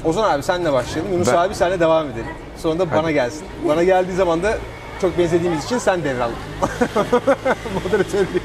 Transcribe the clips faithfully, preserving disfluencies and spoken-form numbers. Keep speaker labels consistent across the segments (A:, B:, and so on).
A: Ozan abi senle başlayalım. Yunus
B: Ben-
A: abi senle devam edelim. Sonra da bana gelsin. Bana geldiği zaman da çok benzediğimiz için sen devral. Moderatörlüğü.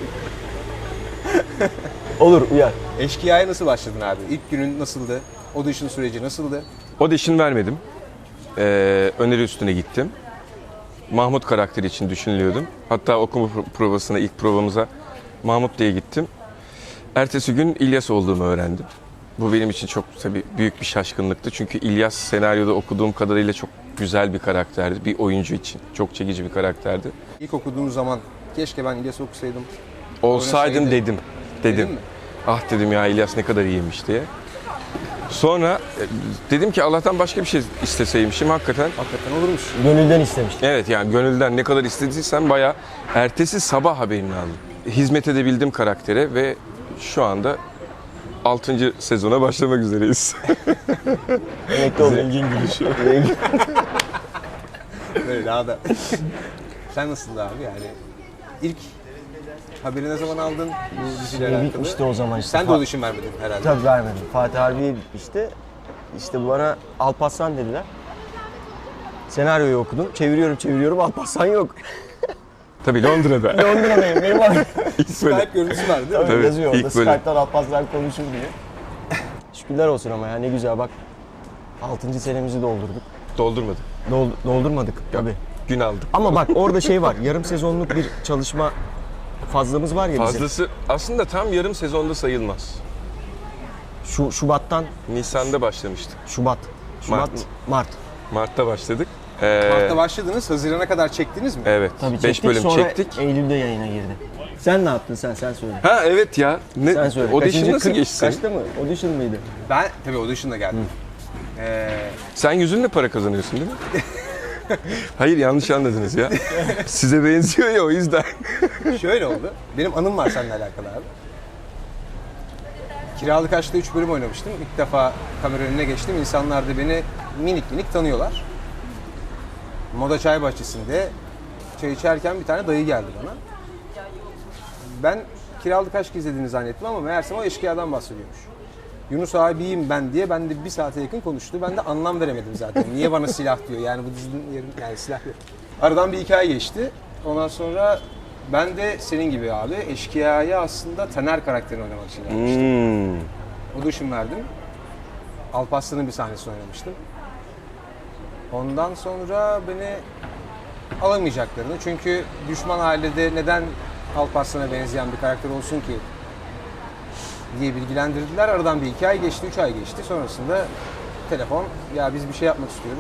C: Olur, uyar.
A: Eşkıya'ya nasıl başladın abi? İlk günün nasıldı? Audition süreci nasıldı?
B: Audition vermedim. Ee, öneri üstüne gittim. Mahmut karakteri için düşünülüyordum. Hatta okuma pro- provasına, ilk provamıza Mahmut diye gittim. Ertesi gün İlyas olduğumu öğrendim. Bu benim için çok tabii büyük bir şaşkınlıktı. Çünkü İlyas senaryoda okuduğum kadarıyla çok güzel bir karakterdi. Bir oyuncu için çok çekici bir karakterdi.
A: İlk okuduğun zaman keşke ben İlyas okusaydım.
B: Olsaydım
A: Oynasaydı.
B: dedim. Dedim.
A: Dedin mi?
B: Ah dedim ya İlyas ne kadar iyiymiş diye. Sonra e, dedim ki Allah'tan başka bir şey isteseymişim hakikaten.
A: Hakikaten olurmuş.
C: Gönülden istemiştim.
B: Evet yani gönülden ne kadar istediysem bayağı ertesi sabah haberini aldım. Hizmet edebildim karaktere ve şu anda altıncı sezona başlamak üzereyiz.
C: Emekli oldum.
B: Zengin gülüşü.
A: Böyle daha da. Sen nasıldı abi yani? İlk haberi ne zaman aldın bu diziyle
C: Şey
A: alakalı?
C: bitmişti o zaman işte.
A: Sen de
C: Fa-
A: audition vermedin herhalde.
C: Tabii vermedim. Fatih Harbiye bitmişti. İşte bana Alparslan dediler. Senaryoyu okudum. Çeviriyorum çeviriyorum Alparslan yok.
B: Tabii Londra'da.
C: Londra'dayım. Benim abi.
B: İlk böyle.
A: Skype görüntüsü var değil mi?
C: Tabii
B: Tabii,
C: yazıyor orada.
B: ilk böyle.
C: Skype'tan Alparslan konuşur diye. Şükürler olsun ama ya ne güzel bak. altıncı senemizi doldurduk.
B: Doldurmadı.
C: Dol- doldurmadık tabii.
B: Gün aldık.
C: Ama bak orada şey var. Yarım sezonluk bir çalışma fazlamız var ya bizim.
B: Fazlası aslında tam yarım sezonda sayılmaz.
C: Şu Şubat'tan
B: Nisan'da başlamıştık.
C: Şubat. Şubat
B: Mart.
C: mı? Mart.
B: Mart'ta başladık. Ee,
A: Mart'ta başladınız. Haziran'a kadar çektiniz mi?
B: Evet.
C: Tabii
B: beş
C: çektik
B: bölüm
C: sonra
B: çektik.
C: Eylül'de yayına girdi. Sen ne yaptın sen sen söyle.
B: Ha evet ya. Ne,
C: Sen söyle.
B: audition
C: Kaçıncı-
B: nasıl
C: kırk-
B: geçti senin?
C: Kaçta mı? Audition mıydı?
A: Ben tabii audition'la geldim. Ee,
B: Sen yüzünle para kazanıyorsun değil mi? Hayır yanlış anladınız ya. Size benziyor ya o yüzden.
A: şöyle oldu. Benim anım var seninle alakalı abi. Kiralık Aşk'ta üç bölüm oynamıştım. İlk defa kamera önüne geçtim. İnsanlar da beni minik minik tanıyorlar. Moda Çay Bahçesi'nde çay içerken bir tane dayı geldi bana. Ben Kiralık Aşk izlediğini zannettim ama meğerse o eşkıyadan bahsediyormuş. Yunus abiyim ben diye ben de bir saate yakın konuştu. Ben de anlam veremedim zaten. Niye bana silah diyor? Yani bu dizinin yerin yani silah yok. Aradan bir hikaye geçti. Ondan sonra ben de senin gibi abi eşkıyaya aslında Taner karakterini oynamak için gelmiştim.
B: Hmm.
A: Audition verdim. Alparslan'ın bir sahnesini oynamıştım. Ondan sonra beni alamayacaklarını çünkü düşman ailede neden Alparslan'a benzeyen bir karakter olsun ki diye bilgilendirdiler. Aradan bir iki ay geçti, üç ay geçti. Sonrasında telefon, ya biz bir şey yapmak istiyoruz.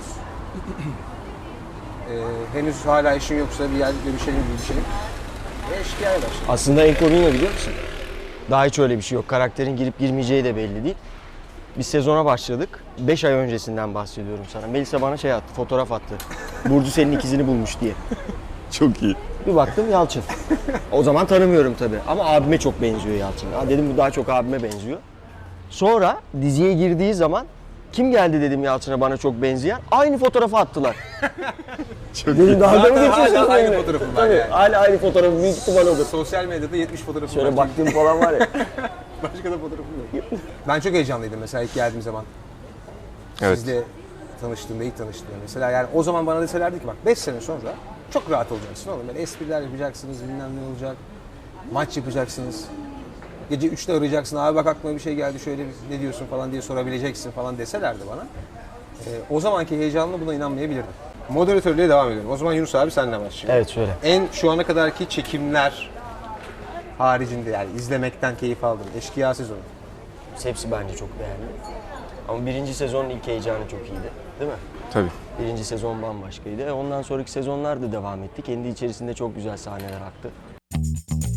A: ee, henüz hala işin yoksa bir yer görüşelim, görüşelim. Ve eşkıyaya başladı.
C: Aslında en komiği ne biliyor musun? Daha hiç öyle bir şey yok. Karakterin girip girmeyeceği de belli değil. Biz sezona başladık. beş ay öncesinden bahsediyorum sana. Melisa bana şey attı, fotoğraf attı. Burcu senin ikizini bulmuş diye.
B: Çok iyi.
C: Bir baktım Yalçın. O zaman tanımıyorum tabii. Ama abime çok benziyor Yalçın. Ha dedim bu daha çok abime benziyor. Sonra diziye girdiği zaman kim geldi dedim Yalçın'a bana çok benzeyen. Aynı fotoğrafı attılar.
B: Çok
C: Dedim daha da mı
A: Zaten
C: geçiyorsun
A: hala aynı
C: benimle?
A: fotoğrafım var
C: Tabii,
A: yani.
C: hala aynı fotoğrafı büyük ihtimal odur.
A: Sosyal medyada yetmiş fotoğrafım
C: Şöyle
A: var.
C: baktığım falan var ya.
A: Başka da fotoğrafım yok. Ben çok heyecanlıydım mesela ilk geldiğim zaman.
B: Evet.
A: Sizle tanıştığımda, ilk tanıştığımda mesela. Yani o zaman bana deselerdi ki bak beş sene sonra çok rahat olacaksın oğlum. Böyle espriler yapacaksınız, bilmem ne olacak. Maç yapacaksınız. Gece üçte arayacaksın, abi bak aklıma bir şey geldi, şöyle bir- ne diyorsun falan diye sorabileceksin falan deselerdi bana. Ee, o zamanki heyecanla buna inanmayabilirdim. Moderatörlüğe devam ediyorum. O zaman Yunus abi seninle başlayalım.
C: Evet şöyle.
A: En şu ana kadarki çekimler haricinde yani izlemekten keyif aldım. Eşkıya sezonu.
C: Hepsi bence çok beğendim. Ama birinci sezonun ilk heyecanı çok iyiydi. Değil mi?
B: Tabii.
C: Birinci sezon bambaşkaydı. E, Ondan sonraki sezonlar da devam etti. Kendi içerisinde çok güzel sahneler aktı.